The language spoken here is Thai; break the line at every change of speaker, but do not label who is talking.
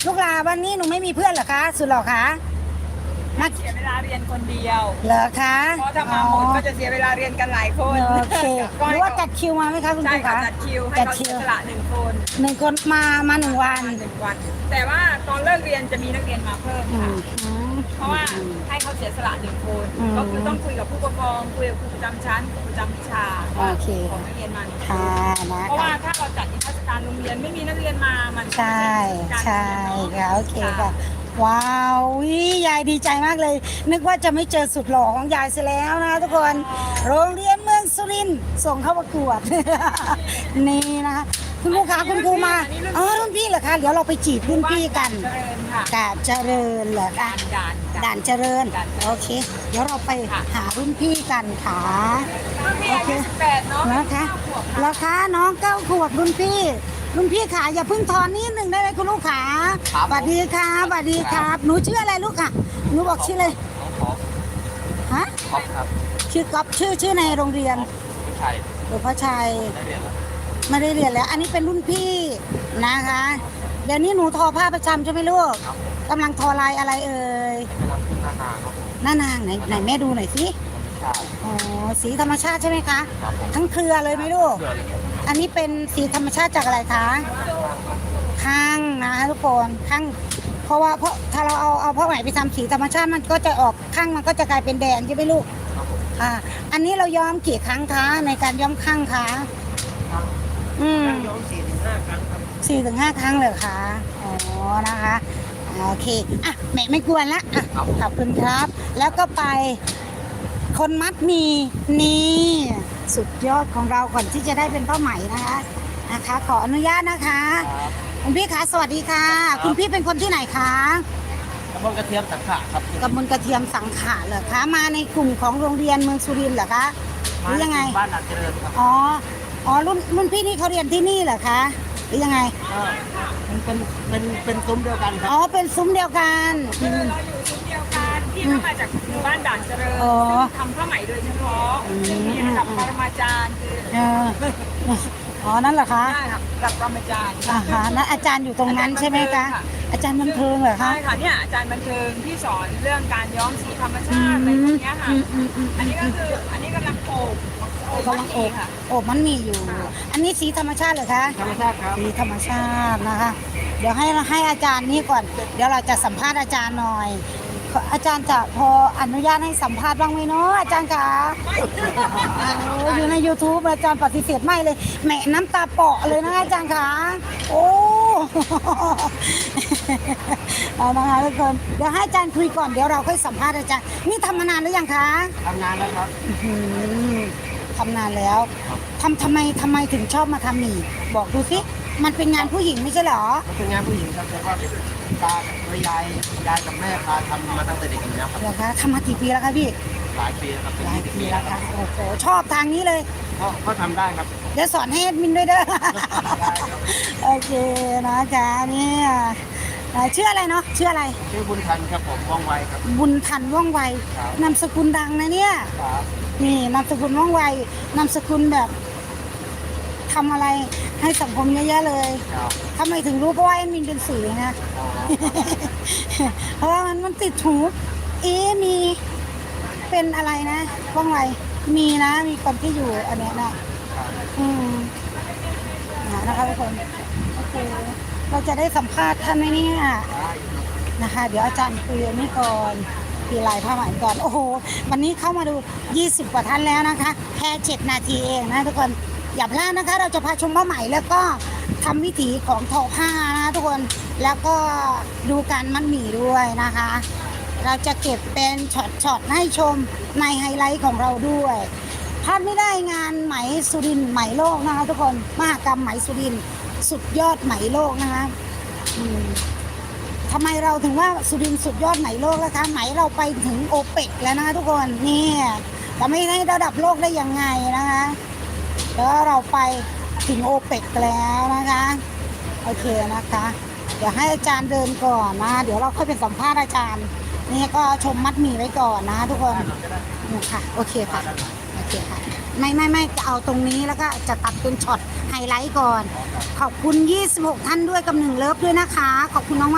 ลูกลาวันนี้หนูไม่มีเพื่อนเหรอคะสุดหรอคะมา
เสียเวลาเรียนคนเดียว
เหรอคะ
เพราะถ้ามาหมดก็จะเสียเวลาเรียนกันหลายคน
โอเคหรือว่าจัดคิวมาไหมคะคุณค
ใช่
รู
ค่ะ
คะ
จัดคิวให้เขาเสียสละ1 คน
1 คนมา1 วัน
1 วันแต่ว่าตอนเลิกเรียนจะมีนักเรียนมาเพิ่มค่ะเพราะว่าให้เขาเสียสละ1 คนก็คือต้องคุยกับผู้ปกครองคุยกับครูประจำชั้นครูประจำวิชาของนักเรียนมา1
ค่ะนะ
เพราะว่า
คะ
ถ้าเราจัดนิทรรศการโรงเรียนไม่มีนักเรียนมามัน
ใช่ค่ะโอเคค่ะว้าวยายดีใจมากเลย นึกว่าจะไม่เจอสุดหล่อของยายเสียแล้วนะทุกคนโรงเรียนเมืองสุรินทร์ส่งเข้าประกวด นี่นะคะคุณครูคะคุณครูมาอ๋อรุ่นพี่เหรอคะเดี๋ยวเราไปจีบรุ่นพี่กัน
เจริญค่ะ
กาบเจริญเหรอคะ ด่านเจริญโอเค เดี๋ยวเราไปหารุ่นพี่กันค่ะ
รุ่นพี่อายุ18เนาะ
นะคะแล้วคะน้อง9 ขวบรุ่นพี่ขาอย่าเพิ่งทอนนิดหนึ่งได้ไหมคุณลูกขาสวัสดีครับสวัสดีครับหนูชื่ออะไรลูกค่ะหนูบอกชื่อเลยฮะ
ท็อปครับ
ชื่อก๊อฟชื่อในโรงเรียน
ผู้ชาย
หลวงพ่อชัย
ได้เรียนแล้ว
ไม่ได้เรียนแล้ว อันนี้เป็นรุ่นพี่นะคะ เดี๋ยวนี้หนูทอผ้าประจำใช่ไหมลูกกำลังทอลายอะไรเอ่ย
ไปทำที่หน้านาครับ
หน้านางไหนแม่ดูหน่อยสิ
ใช่
อ๋อสีธรรมชาติใช่ไหมคะ
ครับผม
ทั้งเครือเลยไหมลูก
เพื่อนเลยครับ
อันนี้เป็นสีธรรมชาติจากอะไรคะข้างนะคะทุกคนข้างเพราะว่าถ้าเราเอาผ้าไหมไปทำสีธรรมชาติมันก็จะออกข้างมันก็จะกลายเป็นแดงใช่ไหมลูก
ครับผม
อันนี้เราย้อมกี่ครั้งคะในการย้อมข้างคะ
ย้อม4-5 ครั้งครับ
4 ถึง 5 ครั้งเลยคะอ๋อนะคะโอเคอ่ะแม่ไม่กวนละอ่ะขอบคุณครับ แล้วก็ไปคนมัดหมีนี่สุดยอดของเราก่อนที่จะได้เป็นผ้าไหมนะคะ ขออนุญาตนะคะคุณพี่คะสวัสดีค่ะ คุณพี่เป็นคนที่ไหนคะ
กระเพาะกระเทียมสังขะครับ
กำมลกระเทียมสังขะเหรอคะมาในกลุ่มของโรงเรียนเมืองสุรินทร์เหรอคะหรือยังไง
บ้านหลักเจริญครับ
อ๋อรุ่นพี่นี่เขาเรียนที่นี่เหรอคะหรือยังไง
มันเป็นซุ้มเดียวกันครับ
อ๋อเป็นซุ้มเดียวกัน
เราอยู่ชุดเดียวกันที่เข้ามาจากหมู่บ้านด่านเจริญ
อ๋อ
ซึ่งทำผ้าไหมโดยเฉพาะซึ่งมีระดับปรมาจารย์คือ
เอออ๋อนั่นเหรอคะ
ใช่ค่ะระดับปรมาจารย์
นั่นอาจารย์อยู่ตรงนั้นใช่ไหมคะอาจารย์บันเทิงเหรอคะ
ใช่ค่ะเนี่ยอาจารย์บันเทิงที่สอนเรื่องการย้อมสีธรรมชาติอะไรพวกเนี้ยค่ะอันนี้ก็คืออันนี้กำลังโอบ
กำลังโอบ
ค่ะ
มันมีอยู่ อันนี้สีธรรมชาติเหรอคะ
ธรรมชาติครับ
สีธรรมชาตินะคะ เดี๋ยวให้อาจารย์นี่ก่อน เดี๋ยวเราจะสัมภาษณ์อาจารย์หน่อย อาจารย์จะพออนุญาตให้สัมภาษณ์บ้างไหมเนาะอาจารย์คะอยู่ใน YouTube อาจารย์ปฏิเสธไม่เลยแหมน้ำตาเปาะเลยนะอาจารย์คะโอ้เอานะคะทุกคนเดี๋ยวให้อาจารย์คุยก่อนเดี๋ยวเราค่อยสัมภาษณ์อาจารย์นี่ทำมานานหรือยังคะ
ทำงานแล้วครับ
ทำนานแล้วทำไมถึงชอบมาทำหมี่บอกดูสิมันเป็นงานผู้หญิงไม่ใช่เหรอ
มันเป็นงานผู้หญิงครับแต่ว่าตากับยายกับแม่พาทำมาตั้งแต่เด็กอยู่แล้วครับ
เหรอคะทำมากี่ปีแล้วคะพี่
หลายปีแล้วครับ
หลายปีแล้วค่ะโอ้โหชอบทางนี้เลย
ก็ทำได้ครับ
เดี๋ยวสอนให้แอดมินด้วยเด้อ โอเคนะคะนี่ชื่ออะไรเนาะชื่ออะไร
ชื่อบุญทันครับผมว่องไวครับ
บุญทันว่องไว
ครับ
นามสกุลดังนะเนี่ย
ครับ
นี่นามสกุลว่องไว นามสกุลแบบทำอะไรให้สังคมเยอะๆเลย
ครับ
ทำไมถึงรู้เพราะว่าแอดมินเป็นสื่อนะ เพราะว่ามันติดหูมีเป็นอะไรนะว่องไวมีนะมีคนที่อยู่อันเนี้ยนะนะคะทุกคนโอเคเราจะได้สัมภาษณ์ท่านไหมเนี่ยนะคะ เดี๋ยวอาจารย์คุยอันนี้ก่อนปีลายผ้าไหมก่อนโอ้โหวันนี้เข้ามาดู20 กว่าท่านแล้วนะคะแค่7 นาทีเองนะทุกคนอย่าพลาดนะคะ เราจะพาชมผ้าไหมแล้วก็ทำวิถีของทอผ้านะทุกคนแล้วก็ดูการมัดหมี่ด้วยนะคะ เราจะเก็บเป็นช็อตๆให้ชมในไฮไลท์ของเราด้วยพลาดไม่ได้งานไหมสุรินทร์ไหมโลกนะคะทุกคนมหกรรมไหมสุรินทร์สุดยอดไหมโลกนะคะทำไมเราถึงว่าสุรินทร์สุดยอดไหมโลกนะคะไหมเราไปถึงโอเปกแล้วนะคะทุกคนนี่จะไม่ให้ระดับโลกได้ยังไงนะคะแล้วเราไปถึงโอเปกแล้วนะคะโอเคนะคะ เดี๋ยวให้อาจารย์เดินก่อนนะเดี๋ยวเราค่อยไปสัมภาษณ์อาจารย์นี่ก็ชมมัดหมี่ไว้ก่อนนะทุกคนนี่ค่ะโอเคค่ะโอเคค่ะไม่จะเอาตรงนี้แล้วก็จะตัดเป็นช็อตไฮไลท์ก่อนขอบคุณ26 ท่านด้วยกับ1 เลิฟด้วยนะคะขอบคุณน้อง